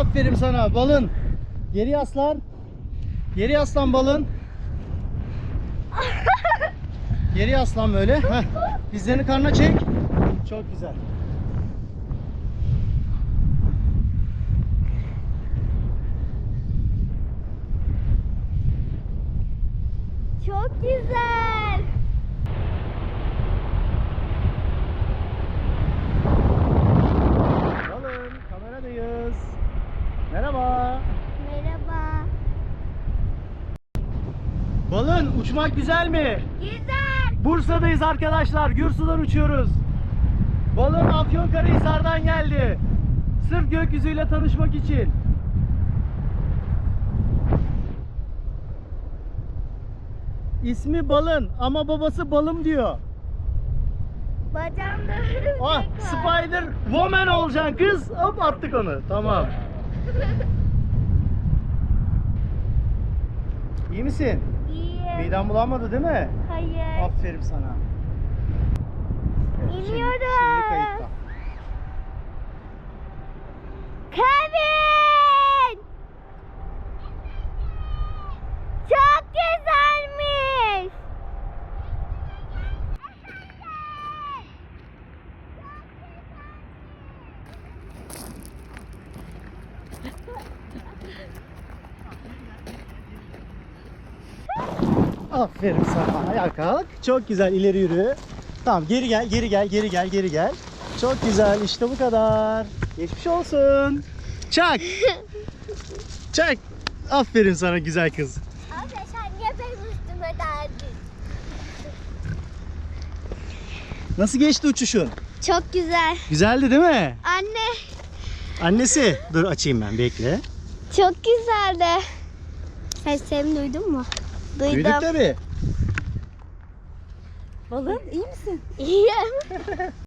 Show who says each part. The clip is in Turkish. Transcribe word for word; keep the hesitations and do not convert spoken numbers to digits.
Speaker 1: Aferin sana balın. Geri yaslan. Geri yaslan balın. Geri yaslan böyle. Heh. Dizlerini karnına çek. Çok güzel.
Speaker 2: Çok güzel.
Speaker 1: Balın kameradayız. Merhaba.
Speaker 2: Merhaba.
Speaker 1: Balın uçmak güzel mi?
Speaker 2: Güzel.
Speaker 1: Bursa'dayız arkadaşlar. Gürsu'dan uçuyoruz. Balın Afyonkarahisar'dan geldi. Sırf gökyüzüyle tanışmak için. İsmi Balın ama babası Balım diyor.
Speaker 2: Bacağımda
Speaker 1: Ah, Spider Woman olacaksın kız. Hop attık onu. Tamam. İyi misin?
Speaker 2: İyi.
Speaker 1: Miden bulanmadı değil mi?
Speaker 2: Hayır.
Speaker 1: Aferin sana. Şimdi-
Speaker 2: İniyorum.
Speaker 1: Şimdi kayıtta.
Speaker 2: Kevin! Çok güzelmiş.
Speaker 1: Aferin sana. Ayağa kalk. Çok güzel. İleri yürü. Tamam, geri gel, geri gel, geri gel, geri gel. Çok güzel. İşte bu kadar. Geçmiş olsun. Çak. Çak. Aferin sana güzel kız.
Speaker 2: Abi sen niye benim üstüme derdin?
Speaker 1: Nasıl geçti uçuşun?
Speaker 2: Çok güzel.
Speaker 1: Güzeldi değil mi?
Speaker 2: Anne.
Speaker 1: Annesi. Dur açayım ben, bekle.
Speaker 2: Çok güzeldi. Seslerimi duydun mu? Duydum.
Speaker 1: Duyduk tabii.
Speaker 3: Balım iyi misin?
Speaker 2: İyiyim.